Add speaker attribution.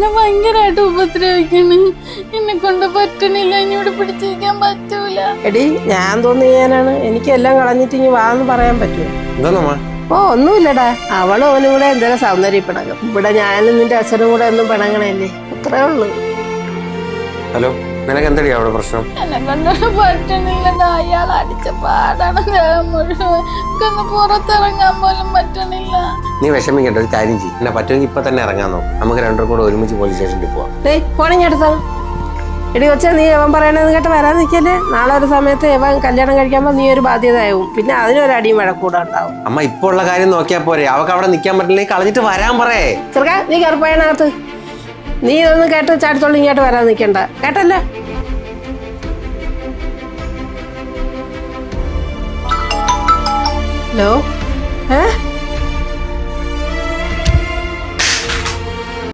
Speaker 1: ഭയങ്കരമായിട്ട് ഉപദ്രവിക്കണ്. എന്നെ കൊണ്ട് പറ്റണില്ല, ഇനിയോട് പിടിച്ചിരിക്കാൻ പറ്റൂല.
Speaker 2: എടി ഞാൻ തോന്നിയാനാണ്, എനിക്കെല്ലാം കളഞ്ഞിട്ട് ഇനി വാന്ന് പറയാൻ പറ്റുമോ? ഓ ഒന്നുമില്ലടാ, അവളും അവനും കൂടെ എന്തെങ്കിലും സൗന്ദര്യം പിണങ്ങും. ഇവിടെ ഞാനും നിന്റെ അച്ഛനും കൂടെ ഒന്നും പിണങ്ങണല്ലേ, അത്രേ ഉള്ളു.
Speaker 3: ഹലോ, നിനക്ക് എന്തടി അവിടെ പ്രശ്നം?
Speaker 1: എന്നെ കൊണ്ട് പറ്റണില്ലടാ, അയാൾ അടിച്ച പാടാണ് ദേഹം മുഴുവൻ. ഒന്ന് പുറത്തിറങ്ങാൻ പോലും പറ്റണില്ല.
Speaker 3: നീ വിഷമിക്കണ്ട, ഒരു കാര്യം ചെയ്യും. എന്നെ പറ്റുമെങ്കിൽ ഇപ്പൊ തന്നെ ഇറങ്ങാൻ നോക്കും. നമുക്ക് രണ്ടും കൂടെ ഒരുമിച്ച് പോലീസ് സ്റ്റേഷനിൽ പോവാം.
Speaker 2: ഫോണിങ് എടുത്താണ്. എടി കൊച്ചാ, നീ എവൻ പറയണെന്ന് കേട്ട് വരാൻ നിൽക്കല്ലേ. നാളെ ഒരു സമയത്ത് എവൻ കല്യാണം കഴിക്കുമ്പോൾ നീ ഒരു ബാധ്യതയാവും. പിന്നെ അതിനൊരു അടിയും വഴക്കൂടെ ഉണ്ടാവും.
Speaker 3: അമ്മ ഇപ്പൊ ഉള്ള കാര്യം നോക്കിയാ പോരെ. അവക്ക് അവിടെ നിൽക്കാൻ പറ്റില്ലെങ്കിൽ കളഞ്ഞിട്ട് വരാൻ പറയേ.
Speaker 2: ചെറുക്കാ, നീ കയറിപ്പോയതിനകത്ത്. നീ ഇതൊന്നും കേട്ട് ചാടിത്തോളം ഇങ്ങോട്ട് വരാൻ നിൽക്കണ്ട, കേട്ടല്ലേ? ഹലോ,